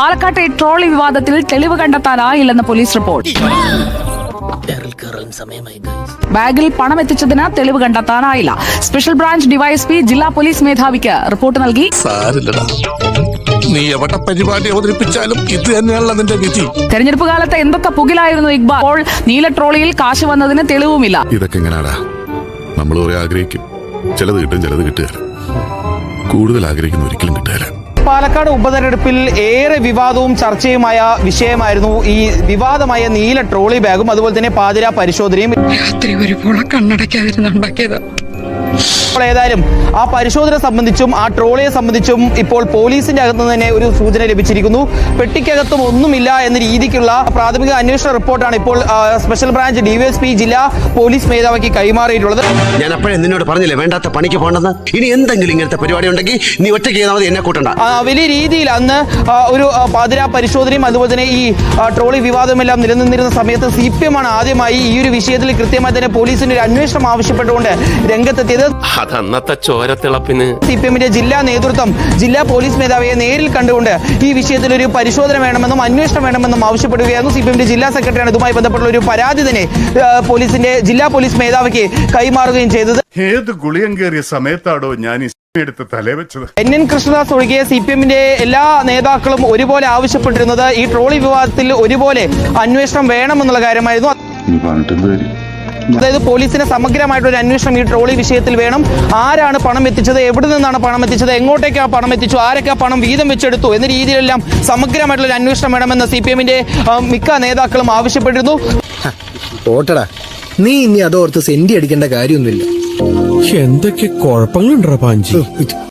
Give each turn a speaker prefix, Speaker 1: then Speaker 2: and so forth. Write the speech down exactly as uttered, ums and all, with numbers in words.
Speaker 1: പാലക്കാട്ടെ ട്രോളി വിവാദത്തിൽ തെളിവ് കണ്ടെത്താനായില്ലെന്ന് പോലീസ് റിപ്പോർട്ട്. ബാഗിൽ പണം എത്തിച്ചതിന് തെളിവ് കണ്ടെത്താനായില്ല. സ്പെഷ്യൽ ബ്രാഞ്ച് ഡിവൈഎസ്പി ജില്ലാ പോലീസ് മേധാവിക്ക് റിപ്പോർട്ട് നൽകി.
Speaker 2: നീ എവിടെ പരിപാടി അവതരിപ്പിച്ചാലും ഇത് തന്നെയാണല്ലോ നിന്റെ വിധി.
Speaker 1: തെരഞ്ഞെടുപ്പ് കാലത്ത് എന്തൊക്കെ പുകിലായിരുന്നു ഇക്ബാൽ. അപ്പോൾ നീല ട്രോളിയിൽ കാശ് വന്നതിന് തെളിവുമില്ല.
Speaker 2: ഇതൊക്കെ എങ്ങനെയാടാ? നമ്മൾ കുറെ ആഗ്രഹിക്കും, ചിലത് കിട്ടും, ചിലത് കിട്ടുകയില്ല. കൂടുതൽ ആഗ്രഹിക്കുന്ന ഒരിക്കലും കിട്ടുകയില്ല.
Speaker 3: പാലക്കാട് ഉപതെരഞ്ഞെടുപ്പിൽ ഏറെ വിവാദവും ചർച്ചയുമായ വിഷയമായിരുന്നു ഈ വിവാദമായ നീല ട്രോളി ബാഗും അതുപോലെ തന്നെ പാതിര പരിശോധനയും.
Speaker 4: രാത്രി ഒരുപോലെ കണ്ണടയ്ക്കാതിരുന്നുണ്ടാക്കിയത്.
Speaker 3: ഏതായാലും ആ പരിശോധന സംബന്ധിച്ചും ആ ട്രോളിയെ സംബന്ധിച്ചും ഇപ്പോൾ പോലീസിന്റെ അകത്ത് തന്നെ ഒരു സൂചന ലഭിച്ചിരിക്കുന്നു. പെട്ടിക്കകത്തും ഒന്നുമില്ല എന്ന രീതിക്കുള്ള പ്രാഥമിക അന്വേഷണ റിപ്പോർട്ടാണ് ഇപ്പോൾ സ്പെഷ്യൽ ബ്രാഞ്ച് ഡിവൈഎസ്പി ജില്ലാ പോലീസ് മേധാവിക്ക് കൈമാറിയിട്ടുള്ളത്.
Speaker 5: ഞാൻ അപ്പോഴേ നിന്നോട് പറഞ്ഞില്ലേ വേണ്ടാത്ത പണിക്ക് പോകണമെന്ന്. ഇനി എന്തെങ്കിലും ഇങ്ങനത്തെ പരിപാടി ഉണ്ടെങ്കിൽ നീ ഒറ്റയ്ക്ക് ചെയ്താൽ മതി, എന്നെ കൂട്ടണ്ട.
Speaker 3: വലിയ രീതിയിൽ അന്ന് ഒരു പാതിര പരിശോധനയും അതുപോലെ തന്നെ ഈ ട്രോളി വിവാദമെല്ലാം നിലനിന്നിരുന്ന സമയത്ത് സി പി എം ആണ് ആദ്യമായി ഈ ഒരു വിഷയത്തിൽ കൃത്യമായി തന്നെ പോലീസിന്റെ ഒരു അന്വേഷണം ആവശ്യപ്പെട്ടുകൊണ്ട് രംഗത്തെത്തിയത്.
Speaker 6: അതന്നത്തെ ചോരത്തിളപ്പിന്
Speaker 3: സി പി എമ്മിന്റെ ജില്ലാ നേതൃത്വം ജില്ലാ പോലീസ് മേധാവിയെ നേരിൽ കണ്ടുകൊണ്ട് ഈ വിഷയത്തിൽ ഒരു പരിശോധന വേണമെന്നും അന്വേഷണം വേണമെന്നും ആവശ്യപ്പെടുകയായിരുന്നു. സി പി എമ്മിന്റെ ജില്ലാ സെക്രട്ടറിയാണ് ഇതുമായി ബന്ധപ്പെട്ടുള്ള ഒരു പരാതി തന്നെ പോലീസിന്റെ ജില്ലാ പോലീസ് മേധാവിക്ക് കൈമാറുകയും ചെയ്തത്.
Speaker 7: ഏത് ഗുളിയം കയറിയ സമയത്താണോ ഞാൻ എടുത്ത് തലവെച്ചത്?
Speaker 3: എൻ എൻ കൃഷ്ണദാസ് ഒഴികെ സി പി എമ്മിന്റെ എല്ലാ നേതാക്കളും ഒരുപോലെ ആവശ്യപ്പെട്ടിരുന്നത് ഈ ട്രോളി വിവാദത്തിൽ ഒരുപോലെ അന്വേഷണം വേണമെന്നുള്ള കാര്യമായിരുന്നു. അതായത് പോലീസിന് സമഗ്രമായിട്ടൊരു അന്വേഷണം ഈ ട്രോളി വിഷയത്തിൽ വേണം. ആരാണ് പണം എത്തിച്ചത്, എവിടെ നിന്നാണ് പണം എത്തിച്ചത്, എങ്ങോട്ടേക്കാ പണം എത്തിച്ചു, ആരൊക്കെ പണം വീതം വെച്ചെടുത്തു എന്ന രീതിയിലെല്ലാം സമഗ്രമായിട്ടുള്ള ഒരു അന്വേഷണം വേണമെന്ന് സി പി എമ്മിന്റെ മിക്ക നേതാക്കളും ആവശ്യപ്പെട്ടിരുന്നു.
Speaker 8: ഓട്ടടാ, നീ ഇനി അതോർത്ത് സെന്റി അടിക്കേണ്ട കാര്യമൊന്നുമില്ല.
Speaker 9: എന്തൊക്കെ കുഴപ്പങ്ങളുണ്ടോ പാഞ്ചി?